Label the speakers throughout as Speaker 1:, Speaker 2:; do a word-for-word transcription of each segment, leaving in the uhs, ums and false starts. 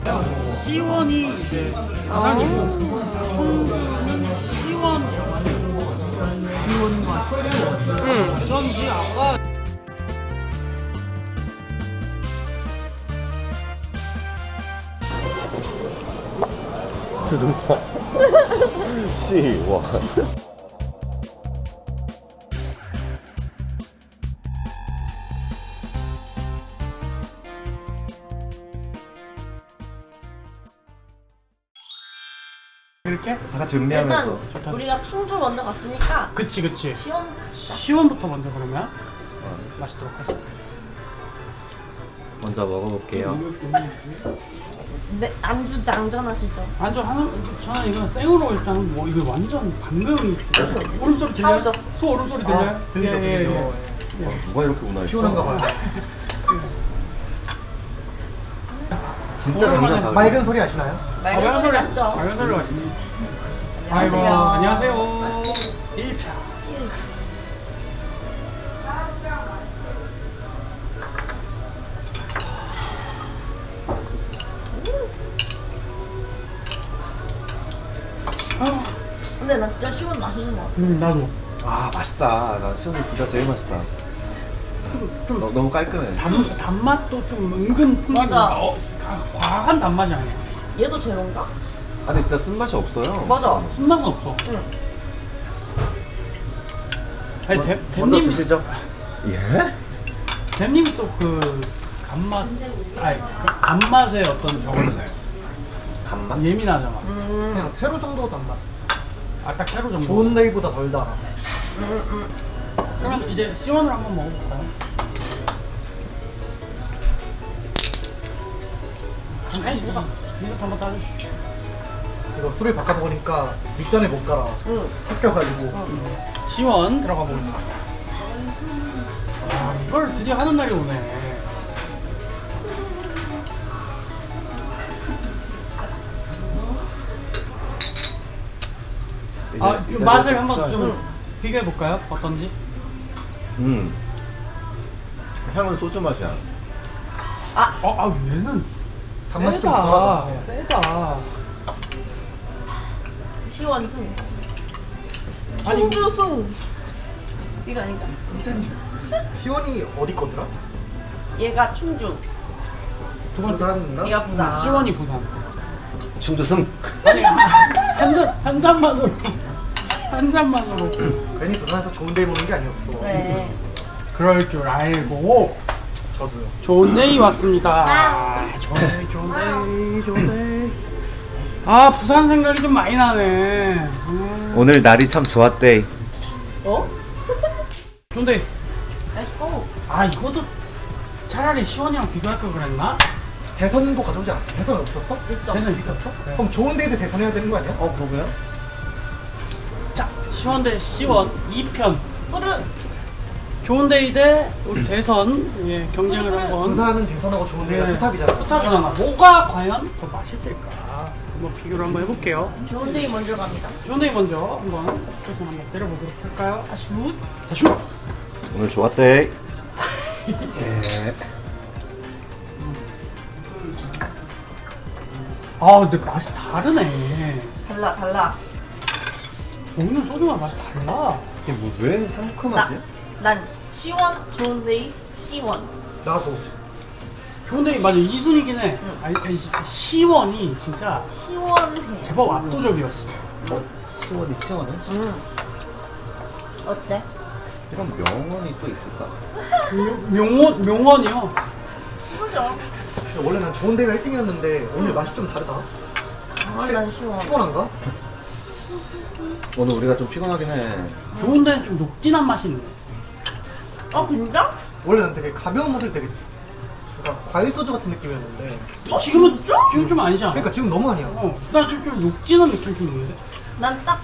Speaker 1: 시원이 이제 부산이고 충주는 시원이라고 하네요. 시원과 시원. 응. 부천시 아까
Speaker 2: 두둥탁 시원.
Speaker 1: 이렇게?
Speaker 2: 다 같이 음미하면서.
Speaker 3: 일단 우리가 충주 먼저 갔으니까
Speaker 1: 그치 그치.
Speaker 3: 시원 갑시다.
Speaker 1: 시원부터 먼저 그러면 마시도록 하겠습니다.
Speaker 2: 먼저 먹어볼게요.
Speaker 3: 네, 안주 장전하시죠.
Speaker 1: 안주 하나 저는 이거 생으로 일단 뭐 이거 완전 반면이 울음소리 들려요?
Speaker 3: 사오셨어.
Speaker 1: 소 울음소리 들려요?
Speaker 4: 아, 들리죠,
Speaker 1: 예, 예,
Speaker 4: 들리죠.
Speaker 1: 예.
Speaker 2: 와, 누가 이렇게 운하했어?
Speaker 4: 피곤한가 봐요.
Speaker 2: 진짜 장난
Speaker 1: 오랜만에
Speaker 2: 다르네.
Speaker 4: 맑은 소리 아시나요?
Speaker 3: 맑은 소리 마시죠.
Speaker 1: 맑은 소리 마시죠.
Speaker 3: 안녕하세요.
Speaker 1: 아이고 안녕하세요. 일 차. 아,
Speaker 3: 근데 나 진짜 시원 맛있는 거 같아.
Speaker 1: 음, 나도
Speaker 2: 아 맛있다. 나 시원이 진짜 제일 맛있다.
Speaker 1: 좀
Speaker 2: 너, 너무 깔끔해.
Speaker 1: 단, 단맛도 좀 은근 풍기고
Speaker 3: 맞아.
Speaker 1: 어, 가- 과한 단맛이 아니야.
Speaker 3: 얘도 제로인가?
Speaker 2: 아 근데 진짜 쓴맛이 없어요.
Speaker 3: 맞아.
Speaker 1: 순맛은 없어.
Speaker 3: 응.
Speaker 1: 아니 대,
Speaker 2: 먼저
Speaker 1: 대님
Speaker 2: 드시죠. 예?
Speaker 1: 대님이 또 그 간맛 아니 그 단맛의 어떤 저걸 내요.
Speaker 2: 간맛?
Speaker 1: 예민하잖아.
Speaker 3: 음.
Speaker 4: 그냥 세로 정도 단맛.
Speaker 1: 아 딱 새로 정도.
Speaker 4: 좋은 데이보다 덜 달아.
Speaker 3: 음, 음.
Speaker 1: 그럼 이제 시원을 한번 먹어볼까요? 아니 이거 미소 한번 따주시죠.
Speaker 4: 이거 술을 바꿔 먹으니까 밑전에 못 갈아.
Speaker 3: 응.
Speaker 4: 섞여가지고.
Speaker 1: 시원 들어가 보겠습니다. 아 이걸 드디어 하는 날이 오네.
Speaker 2: 이제-
Speaker 1: 아, 이
Speaker 2: 이제
Speaker 1: 맛을
Speaker 2: 좀
Speaker 1: 한번
Speaker 2: 시원하죠?
Speaker 1: 좀 비교해 볼까요? 어떤지?
Speaker 2: 음. 향은 소주 맛이야.
Speaker 1: 어, 아 얘는
Speaker 4: 단맛이 좀
Speaker 1: 세다.
Speaker 4: 덜하다. 네.
Speaker 1: 세다.
Speaker 3: 시원 승.
Speaker 1: 아니,
Speaker 3: 충주 승. 이거 아닌가?
Speaker 4: 시원이 어디 거더라?
Speaker 3: 얘가 충주.
Speaker 1: 두
Speaker 4: 그
Speaker 1: 번째
Speaker 4: 사람인가?
Speaker 3: 얘가 부산.
Speaker 1: 시원이 부산.
Speaker 2: 충주승.
Speaker 1: 아니 한잔 한 잔만으로 한 잔만으로
Speaker 4: 괜히 부산에서 좋은 데 보는 게 아니었어.
Speaker 3: 그래.
Speaker 1: 그럴 줄 알고
Speaker 4: 저도요.
Speaker 1: 좋은 데이 왔습니다. 아, 좋은 데이 좋은 데이 좋은 데이. 아 부산 생각이 좀 많이 나네. 음.
Speaker 2: 오늘 날이 참 좋았대.
Speaker 3: 어?
Speaker 1: 좋은 데이.
Speaker 3: Let's go.
Speaker 1: 아 이것도 차라리 시원이랑 비교할 걸 그랬나?
Speaker 4: 대선도 가져오지 않았어? 대선 없었어?
Speaker 1: 대선 있었어? 네.
Speaker 4: 그럼 좋은 데이도 대선해야 되는 거 아니야?
Speaker 2: 어 그러게요?
Speaker 1: 자 시원 대 시원 이 편.
Speaker 3: 꿀은
Speaker 1: 좋은 데이 대 우리 대선 예, 경쟁을 한번.
Speaker 4: 부산은 대선하고 좋은 데이가
Speaker 1: 네,
Speaker 4: 투탑이잖아.
Speaker 1: 투탑이잖아. 뭐가 과연 더 맛있을까? 한번 비교를 한번 해볼게요.
Speaker 3: 좋은 데이 먼저 갑니다.
Speaker 1: 좋은 데이 먼저 한번 슛을 한번 때려보도록 할까요?
Speaker 3: 아, 슛?
Speaker 1: 자, 슛!
Speaker 2: 오늘 좋았대. 예.
Speaker 1: 아 근데 맛이 다르네.
Speaker 3: 달라, 달라.
Speaker 1: 먹는 소주랑 맛이 달라.
Speaker 2: 이게 뭐왜
Speaker 3: 나,
Speaker 2: 상큼하지?
Speaker 3: 난 시원, 좋은 데이, 시원.
Speaker 4: 나도.
Speaker 1: 좋은 데이 맞아 이 순위긴 해.
Speaker 3: 응.
Speaker 1: 아니, 아니, 시- 시원이 진짜
Speaker 3: 시원해.
Speaker 1: 제법 압도적이었어.
Speaker 2: 어? 시원이 시원해?
Speaker 3: 응. 어때?
Speaker 2: 이런 명언이 또 있을까?
Speaker 1: 명- 명원, 명원이요.
Speaker 3: 그죠?
Speaker 4: 근데 원래 난 좋은 데이가 일 등이었는데 오늘 맛이 좀 다르다.
Speaker 3: 아, 난 시원.
Speaker 4: 피곤한가?
Speaker 2: 오늘 우리가 좀 피곤하긴 해.
Speaker 1: 좋은 데는 좀 녹진한 맛이 있네.
Speaker 3: 어, 진짜?
Speaker 4: 원래 난 되게 가벼운 맛을 되게 약간 과일 소주 같은 느낌이었는데
Speaker 1: 지금은 지금 좀 아니지 않아?
Speaker 4: 그러니까 지금 너무 아니야.
Speaker 1: 어, 나 지금 좀 녹진한 느낌 좀 있는데?
Speaker 3: 난 딱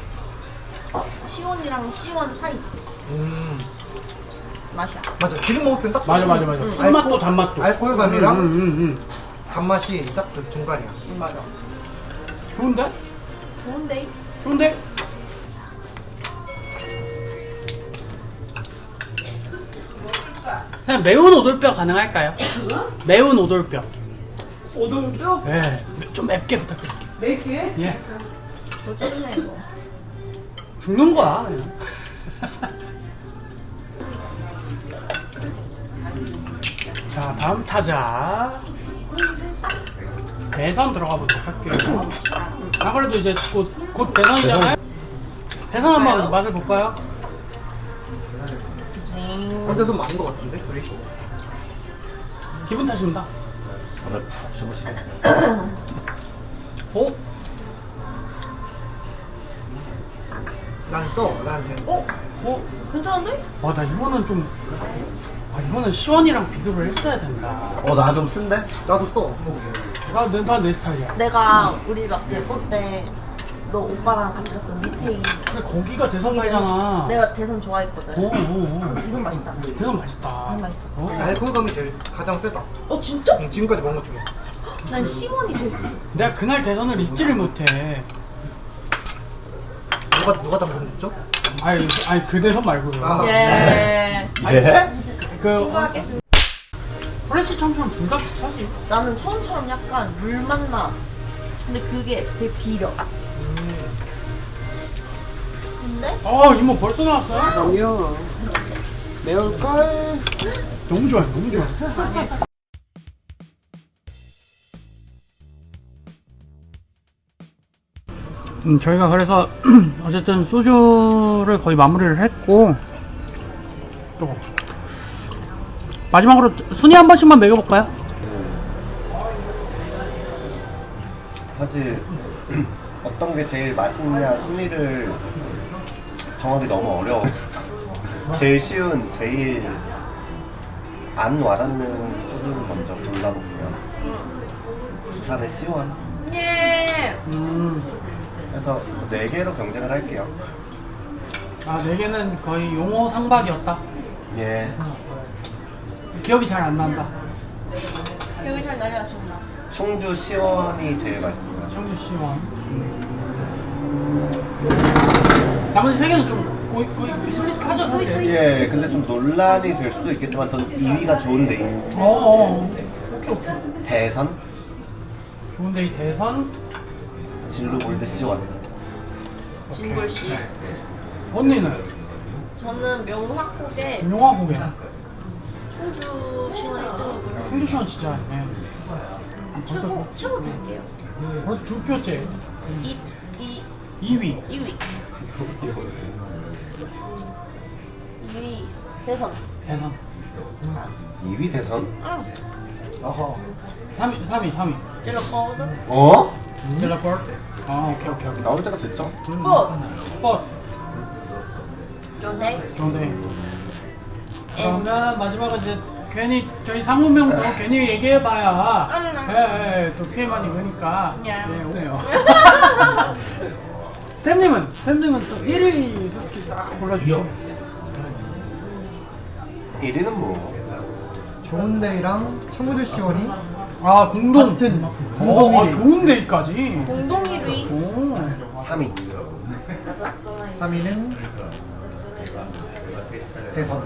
Speaker 3: 시원이랑 시원 사이
Speaker 4: 음
Speaker 3: 맛이야.
Speaker 4: 맞아. 지금 먹을 땐 딱
Speaker 1: 맞아 맞아 맞아.
Speaker 4: 음,
Speaker 1: 쓴맛도
Speaker 4: 알코-
Speaker 1: 잔맛도.
Speaker 4: 알코올감이랑
Speaker 1: 음, 음, 음, 음.
Speaker 4: 단맛이 딱 그 중간이야.
Speaker 3: 응, 맞아.
Speaker 1: 좋은데?
Speaker 3: 좋은 데이?
Speaker 1: 좋은데? 그냥 매운 오돌뼈 가능할까요? 매운 오돌뼈. 오돌뼈? 네, 좀 맵게 부탁드릴게요. 맵게? 예.
Speaker 3: 어쩌네 이거.
Speaker 1: 죽는 거야. 그냥. 자, 다음 타자. 대선 들어가 보도록 할게요. 아, 그래도 이제 곧, 곧 대선이잖아요? 대선 한번 맛을 볼까요?
Speaker 4: 근데 좀 많은 것 같은데 술이?
Speaker 1: 기분 탓입니다.
Speaker 2: 오늘 푹 주무시네.
Speaker 1: 어?
Speaker 4: 난 써, 나한테는.
Speaker 3: 어?
Speaker 1: 어?
Speaker 3: 괜찮은데?
Speaker 1: 와, 나 이거는 좀. 아, 이거는 시원이랑 비교를 했어야 된다.
Speaker 2: 어, 나 좀 쓴데?
Speaker 4: 나도 써.
Speaker 1: 나, 내, 나 내 스타일이야.
Speaker 3: 내가 우리 막 예고 때 너 오빠랑 같이 갔던 미테이.
Speaker 1: 근데 거기가 대선 말이잖아.
Speaker 3: 내가 대선 좋아했거든.
Speaker 1: 어, 어, 어.
Speaker 3: 대선 맛있다.
Speaker 1: 대선 맛있다.
Speaker 3: 대선 맛있어.
Speaker 1: 어.
Speaker 4: 아니, 그거 감이 제일 가장 세다.
Speaker 3: 어 진짜?
Speaker 4: 응, 지금까지 먹은 것 중에.
Speaker 3: 난 시원이 제일 셌어.
Speaker 1: 내가 그날 대선을 잊지를 못해.
Speaker 4: 누가, 누가 당선됐죠?
Speaker 1: 아니, 아니 그 대선 말고요.
Speaker 4: 아.
Speaker 3: 예.
Speaker 2: 예?
Speaker 1: 그
Speaker 3: 신고하겠습니다.
Speaker 1: 프레시 챔피언 둘 다 비슷하지.
Speaker 3: 나는 처음처럼 약간 물 맛나. 근데 그게 되게 비려. 근데
Speaker 1: 어, 이모 벌써 나왔어요?
Speaker 5: 아니요. 매울걸?
Speaker 1: 너무 좋아요, 너무 좋아. 음, 저희가 그래서 어쨌든 소주를 거의 마무리를 했고 또 마지막으로 순위 한 번씩만 매겨볼까요?
Speaker 2: 사실 어떤 게 제일 맛있냐 순위를 정하기 너무 어려워. 제일 쉬운, 제일 안 와닿는 소주를 먼저 골라볼게요. 부산의 시원.
Speaker 3: 예.
Speaker 1: 음,
Speaker 2: 그래서 네 개로 경쟁을 할게요.
Speaker 1: 아, 네 개는 거의 용어 상박이었다.
Speaker 2: 예.
Speaker 1: 기억이 잘 안 난다.
Speaker 3: 기억이 잘 나지 않습니다.
Speaker 2: 충주 시원이 제일 맛있습니다.
Speaker 1: 청주 시원. 나머지 세 개는 좀 거의, 거의 비슷비슷하죠, 사실.
Speaker 2: 예, 근데 좀 논란이 될 수도 있겠지만 전 이 위가 좋은데
Speaker 1: 어, 어. 오케이, 오케이.
Speaker 2: 대선
Speaker 1: 좋은데 이 대선.
Speaker 2: 진로 골드 시원.
Speaker 3: 진골 씨.
Speaker 1: 언니는
Speaker 3: 저는 명확하게
Speaker 1: 용화 고개.
Speaker 3: 충주 시원 일 등이고요.
Speaker 1: 충주 시원 진짜. 예.
Speaker 3: 최고 최고 드릴게요.
Speaker 1: 벌써 두 표째.
Speaker 3: 이 이
Speaker 1: 이 위.
Speaker 3: 이 위. 이 위 대선.
Speaker 1: 대선.
Speaker 2: 이 위 대선?
Speaker 3: 응.
Speaker 4: 아하.
Speaker 1: 삼 위, 삼 위, 삼 위.
Speaker 3: 젤러 거든.
Speaker 2: 어?
Speaker 1: 젤라콜. 아, 오케이, 오케이, 오케이.
Speaker 2: 나올 때가 됐죠?
Speaker 3: 포.
Speaker 1: 버스.
Speaker 3: 좋네.
Speaker 1: 좋은데. 그러면 마지막은 이제 괜히 저희 상무명 또 괜히 얘기해봐야 예, 예, 또 피해만 입으니까
Speaker 3: 야.
Speaker 1: 네, 오네요. 템님은 템님은 또 일 위 솔직히 딱 골라주시면.
Speaker 2: 일 위는 뭐
Speaker 4: 좋은데이랑 충무주 시원이
Speaker 1: 아, 공동.
Speaker 4: 같은
Speaker 1: 어,
Speaker 4: 공동
Speaker 1: 아,
Speaker 4: 일 위.
Speaker 1: 좋은 데이까지.
Speaker 3: 공동 일 위.
Speaker 1: 오.
Speaker 2: 삼 위.
Speaker 4: 삼 위는 대선.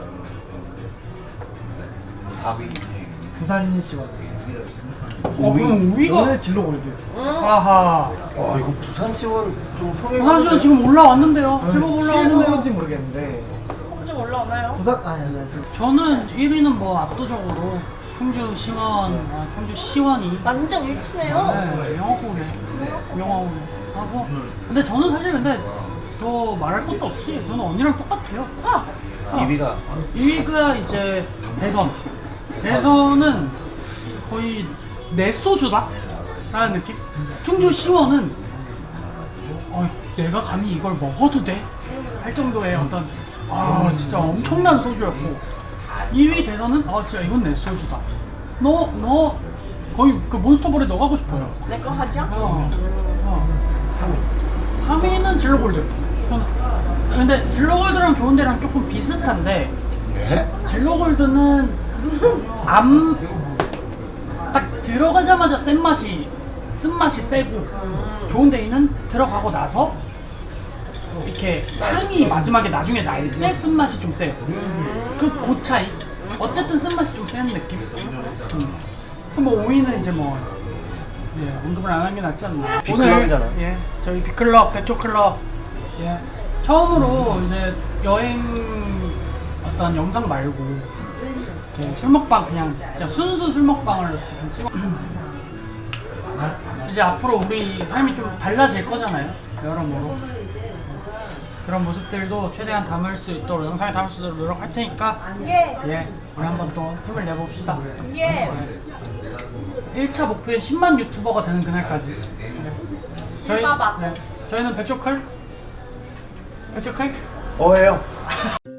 Speaker 2: 사 위.
Speaker 4: 부산 시원.
Speaker 1: 어, 그럼 오 위가.
Speaker 4: 오늘 진로 골드.
Speaker 1: 아하.
Speaker 2: 와 이거 부산 지원 좀 흥행.
Speaker 1: 부산시는 지금 올라왔는데요. 제법
Speaker 4: 시에서
Speaker 1: 올라왔는데요.
Speaker 4: 그런지 모르겠는데
Speaker 3: 홍증 올라오나요?
Speaker 4: 부산 아니 아니 아니.
Speaker 1: 저는 일 위는 뭐 압도적으로 충주 시원, 아, 충주 시원이
Speaker 3: 완전 일치네요.
Speaker 1: 네, 영어고래, 영어고래 하고. 근데 저는 사실 근데 더 말할 것도 없이 저는 언니랑 똑같아요. 아,
Speaker 2: 이 위가
Speaker 1: 이 위가 이제 대선. 대선은 거의 내 소주다 라는 느낌. 충주 시원은 어, 내가 감히 이걸 먹어도 돼? 할 정도의 어떤 아 진짜 엄청난 소주였고, 이 위 대선은 아 진짜 이건 내 소주다. 너 너 거의 그 몬스터볼에 넣어가고 싶어요.
Speaker 3: 내 거 하죠?
Speaker 1: 어, 어.
Speaker 2: 삼 위.
Speaker 1: 삼 위는 진로골드. 저는- 근데 진로골드랑 좋은데랑 조금 비슷한데,
Speaker 2: 네?
Speaker 1: 진로골드는 암 딱 들어가자마자 센 맛이 쓴맛이 세고, 좋은데이는 들어가고 나서 이렇게 향이 마지막에 나중에 날 때 쓴맛이 좀 세요. 그 그 차이. 어쨌든 쓴맛이 좀 센 느낌. 음. 그럼 뭐 오 위는 이제 뭐 예, 언급을 안 하는 게 낫지 않나.
Speaker 2: 빅클럽이잖아.
Speaker 1: 오늘 예, 저희 빅클럽, 백조클럽 예, 처음으로 이제 여행 어떤 영상 말고 이렇게 술 먹방 그냥 진짜 순수 술 먹방을 좀 찍어. 이제 앞으로 우리 삶이 좀 달라질 거잖아요. 여러모로 그런 모습들도 최대한 담을 수 있도록 영상에 담을 수 있도록 노력할 테니까
Speaker 3: 예.
Speaker 1: 예, 우리 한번 또 힘을 내봅시다.
Speaker 3: 예.
Speaker 1: 일 차 목표인 십만 유튜버가 되는 그날까지. 저희,
Speaker 3: 신바바.
Speaker 1: 네, 저희는 백조클? 백조클?
Speaker 2: 어해요.